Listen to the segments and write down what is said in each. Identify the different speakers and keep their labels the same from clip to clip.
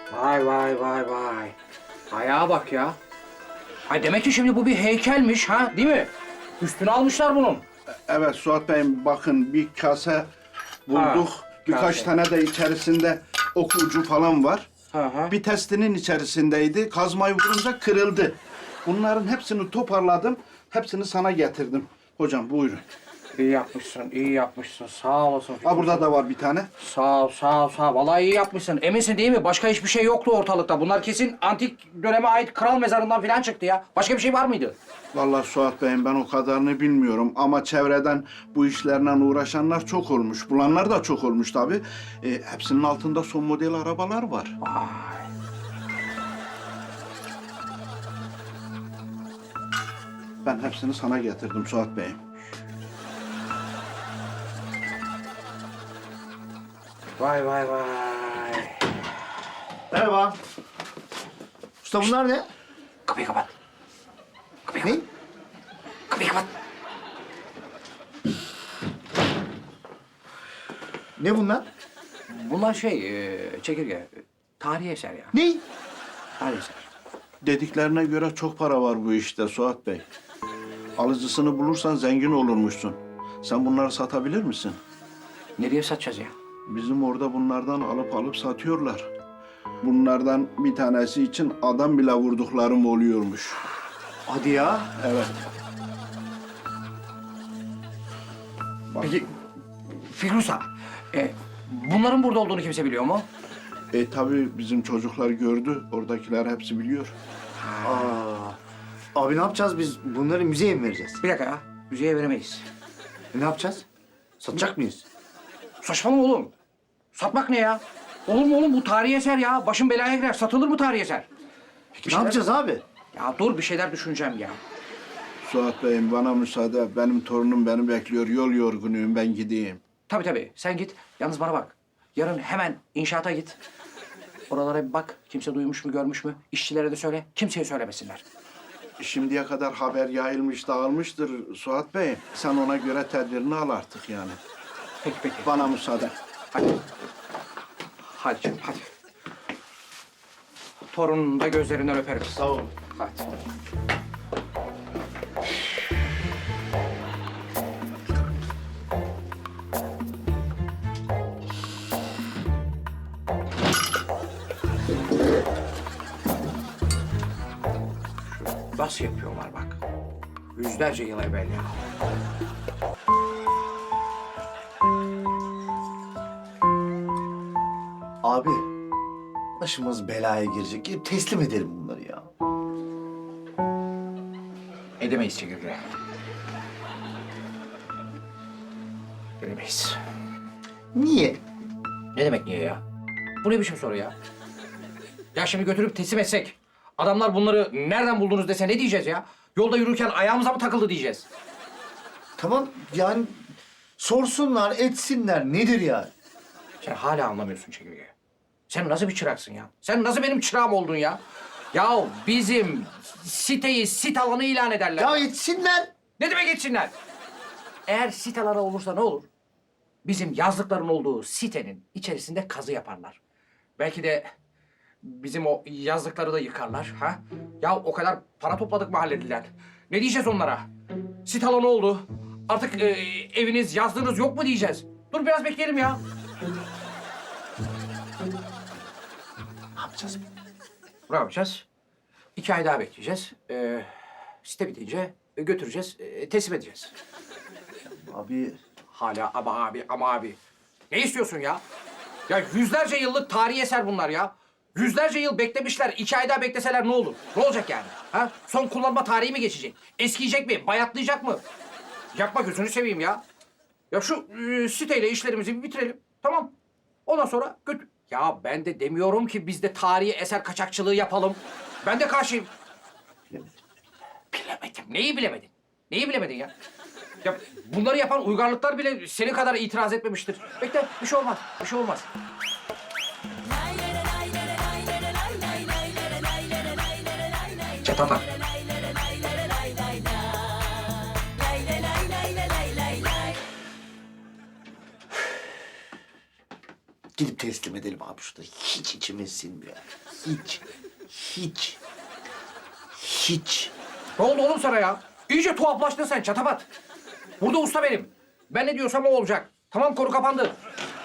Speaker 1: Vay vay vay vay. Ayağa bak ya. Ay demek ki şimdi bu bir heykelmiş ha, değil mi? Üstüne almışlar bunun.
Speaker 2: Evet Suat Bey'im, bakın bir kase bulduk. Birkaç
Speaker 1: kase.
Speaker 2: tane de içerisinde ok ucu falan var.
Speaker 1: Hı hı.
Speaker 2: Bir testinin içerisindeydi. Kazmayı vurunca kırıldı. Bunların hepsini toparladım. Hepsini sana getirdim. Hocam buyurun.
Speaker 1: İyi yapmışsın, iyi yapmışsın. Sağ olasın.
Speaker 2: Ha, burada da var bir tane.
Speaker 1: Sağ ol, sağ ol, sağ ol. Vallahi iyi yapmışsın. Eminsin değil mi? Başka hiçbir şey yoktu ortalıkta. Bunlar kesin antik döneme ait kral mezarından falan çıktı ya. Başka bir şey var mıydı?
Speaker 2: Vallahi Suat Bey'im, ben o kadarını bilmiyorum ama çevreden bu işlerle uğraşanlar çok olmuş. Bulanlar da çok olmuş tabii. Hepsinin altında son model arabalar var.
Speaker 1: Vay.
Speaker 2: Ben hepsini sana getirdim Suat Bey'im.
Speaker 1: Vay vay vay.
Speaker 3: Merhaba. Usta bunlar ne?
Speaker 1: Kapıyı kapat. Kapıyı
Speaker 3: Ne?
Speaker 1: kapat. Kapıyı kapat.
Speaker 3: Ne bunlar?
Speaker 1: Bunlar çekirge. Tarihi eser ya.
Speaker 3: Ne?
Speaker 1: Tarihi eser.
Speaker 2: Dediklerine göre çok para var bu işte Suat Bey. Alıcısını bulursan zengin olurmuşsun. Sen bunları satabilir misin?
Speaker 1: Nereye satacağız ya?
Speaker 2: Bizim orada bunlardan alıp satıyorlar. Bunlardan bir tanesi için adam bile vurduklarım oluyormuş.
Speaker 3: Hadi ya.
Speaker 2: Evet.
Speaker 1: Peki Fikri Usta, bunların burada olduğunu kimse biliyor mu?
Speaker 2: Tabii bizim çocuklar gördü. Oradakiler hepsi biliyor.
Speaker 3: Abi ne yapacağız biz? Bunları müzeye mi vereceğiz?
Speaker 1: Bir dakika ya. Müzeye veremeyiz.
Speaker 3: Ne yapacağız? Satacak mıyız?
Speaker 1: Saçmalama oğlum. Satmak ne ya? Olur mu oğlum? Bu tarihi eser ya. Başın belaya girer. Satılır mı tarihi eser?
Speaker 3: Peki ne yapacağız abi?
Speaker 1: Ya dur bir şeyler düşüneceğim ya.
Speaker 2: Suat Bey'im, bana müsaade. Benim torunum beni bekliyor. Yol yorgunuyum, ben gideyim.
Speaker 1: Tabii tabii. Sen git. Yalnız bana bak. Yarın hemen inşaata git. Oralara bir bak. Kimse duymuş mu, görmüş mü? İşçilere de söyle. Kimseye söylemesinler.
Speaker 2: Şimdiye kadar haber yayılmış, dağılmıştır Suat Bey. Sen ona göre tedbirini al artık yani.
Speaker 1: Peki peki.
Speaker 2: Bana müsaade.
Speaker 1: Hadi. Hadi canım hadi. Torunun da gözlerinden öperim.
Speaker 3: Sağ olun.
Speaker 1: Hadi. Nasıl yapıyorlar bak. Yüzlerce yıl evvel ya.
Speaker 3: Abi başımız belaya girecek. Gidip teslim edelim bunları ya.
Speaker 1: Edemeyiz çekirge. Edemeyiz.
Speaker 3: Niye?
Speaker 1: Ne demek niye ya? Bu ne biçim soru ya? Ya şimdi götürüp teslim etsek, adamlar bunları nereden buldunuz dese ne diyeceğiz ya? Yolda yürürken ayağımıza mı takıldı diyeceğiz?
Speaker 3: Tamam yani sorsunlar, etsinler. Nedir yani?
Speaker 1: Sen hala anlamıyorsun çekirge. Sen nasıl bir çıraksın ya? Sen nasıl benim çırağım oldun ya? Ya bizim siteyi sit alanı ilan ederler.
Speaker 3: Ya etsinler.
Speaker 1: Ne demek geçsinler? Eğer sit alanı olursa ne olur? Bizim yazlıkların olduğu sitenin içerisinde kazı yaparlar. Belki de bizim o yazlıkları da yıkarlar. Ha? Ya o kadar para topladık mahalleliler. Ne diyeceğiz onlara? Sit alanı oldu. Artık eviniz, yazlığınız yok mu diyeceğiz? Dur biraz bekleyelim ya.
Speaker 3: Ne yapacağız?
Speaker 1: Ne yapacağız? 2 ay daha bekleyeceğiz. Site bitince götüreceğiz, teslim edeceğiz.
Speaker 3: Abi
Speaker 1: Hala ama abi. Ne istiyorsun ya? Ya yüzlerce yıllık tarihi eser bunlar ya. Yüzlerce yıl beklemişler. 2 ay daha bekleseler ne olur? Ne olacak yani? Ha? Son kullanma tarihi mi geçecek? Eskiyecek mi? Bayatlayacak mı? Yapma gözünü seveyim ya. Ya şu siteyle işlerimizi bir bitirelim. Tamam. Ondan sonra götür. Ya ben de demiyorum ki biz de tarihi eser kaçakçılığı yapalım. Ben de karşıyım. Bilemedim. Neyi bilemedin? Neyi bilemedin ya? Ya bunları yapan uygarlıklar bile senin kadar itiraz etmemiştir. Bekle, bir şey olmaz. Bir şey olmaz. Çatata.
Speaker 3: gidip teslim edelim abi şurada. Hiç içime sinmiyor. Hiç. Hiç. Hiç.
Speaker 1: Ne oldu oğlum sana ya? İyice tuhaflaştın sen çatapat. Burada usta benim. Ben ne diyorsam o olacak. Tamam, konu kapandı.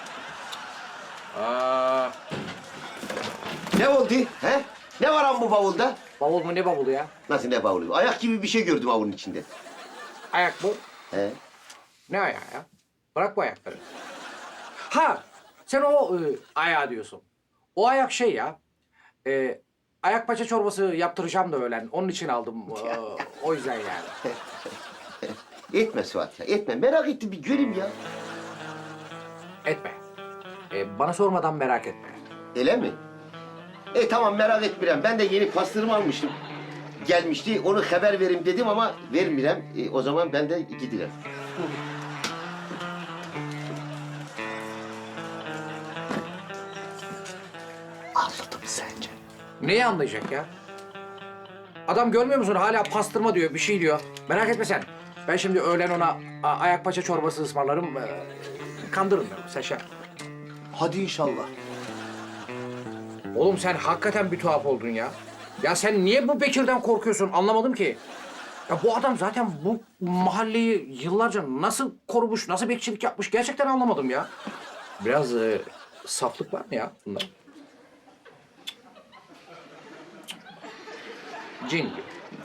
Speaker 3: Ne oldu? He? Ne var lan bu bavulda?
Speaker 1: Bavul mu ne bavulu ya?
Speaker 3: Nasıl ne bavulu? Ayak gibi bir şey gördüm bavulun içinde.
Speaker 1: Ayak bu.
Speaker 3: He?
Speaker 1: Ne ayağı ya? Bırak bu ayakları. Ha, sen o ayağı diyorsun. O ayak şey ya. Ayak paça çorbası yaptıracağım da öğlen. Onun için aldım. O yüzden yani.
Speaker 3: Etme Suat ya, etme. Merak ettim, bir göreyim ya.
Speaker 1: Etme. Bana sormadan merak etme.
Speaker 3: Öyle mi? Tamam, merak etmirem. Ben de yeni pastırma almıştım. Gelmişti, onu haber vereyim dedim ama vermirem. O zaman ben de gidiyorum. Anladım sence?
Speaker 1: Neyi anlayacak ya? Adam görmüyor musun? Hala pastırma diyor, bir şey diyor. Merak etme sen. Ben şimdi öğlen ona ayak paça çorbası ısmarlarım. Kandırırım ben. Sen şey yap.
Speaker 3: Hadi inşallah.
Speaker 1: Oğlum sen hakikaten bir tuhaf oldun ya. Ya sen niye bu Bekir'den korkuyorsun? Anlamadım ki. Ya bu adam zaten bu mahalleyi yıllarca nasıl korumuş, nasıl bekçilik yapmış gerçekten anlamadım ya. Biraz saflık var mı ya bunda? Cin gibi.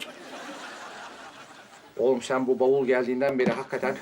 Speaker 1: Oğlum sen bu bavul geldiğinden beri hakikaten...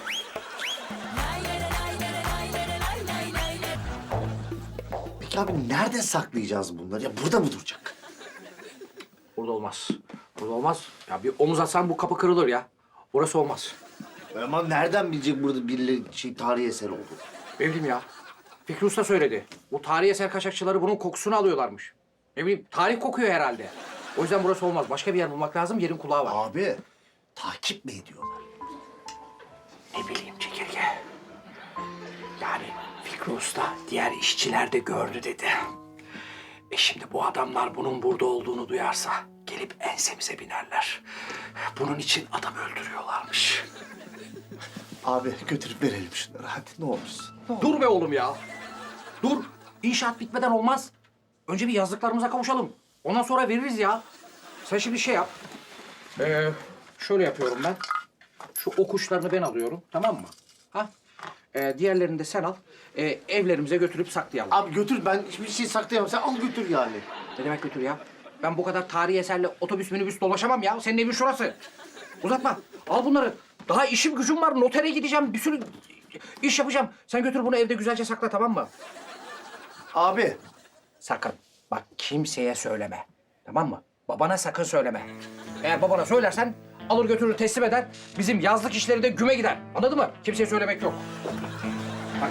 Speaker 3: Peki abi nerede saklayacağız bunları? Ya burada mı duracak?
Speaker 1: Burada olmaz. Burada olmaz. Ya bir omuz atsan bu kapı kırılır ya. Orası olmaz.
Speaker 3: Ama nereden bilecek burada birileri tarihi eser oldu?
Speaker 1: Ne bileyim ya. Fikri Usta söyledi. Bu tarihi eser kaçakçıları bunun kokusunu alıyorlarmış. Ne bileyim, tarih kokuyor herhalde. O yüzden burası olmaz. Başka bir yer bulmak lazım. Yerin kulağı var.
Speaker 3: Abi takip mi ediyorlar?
Speaker 1: Ne bileyim çekirge. Yani Fikri Usta diğer işçiler de gördü dedi. Şimdi bu adamlar bunun burada olduğunu duyarsa gelip ensemize binerler. Bunun için adam öldürüyorlarmış.
Speaker 3: Abi götürüp verelim şunları hadi ne olursun. Ne olur.
Speaker 1: Dur be oğlum ya. Dur. İnşaat bitmeden olmaz. Önce bir yazdıklarımıza kavuşalım. Ondan sonra veririz ya. Sen şimdi şey yap. Şöyle yapıyorum ben. Şu ok uçlarını ben alıyorum. Tamam mı? Ha? Diğerlerini de sen al. Evlerimize götürüp saklayalım.
Speaker 3: Abi götür, ben hiçbir şey saklayamam. Sen al götür yani.
Speaker 1: Ne demek götür ya? Ben bu kadar tarihi eserle otobüs minibüs dolaşamam ya. Senin evin şurası. Uzatma. Al bunları. Daha işim gücüm var. Notere gideceğim. Bir sürü iş yapacağım. Sen götür bunu evde güzelce sakla, tamam mı?
Speaker 3: Abi.
Speaker 1: Sakın. Bak kimseye söyleme. Tamam mı? Babana sakın söyleme. Eğer babana söylersen alır götürür teslim eder. Bizim yazlık işleri de güme gider. Anladın mı? Kimseye söylemek yok. Bak.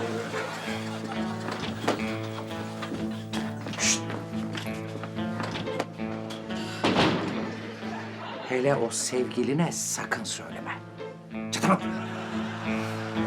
Speaker 1: Şşt. Hele o sevgiline sakın söyleme. Tamam.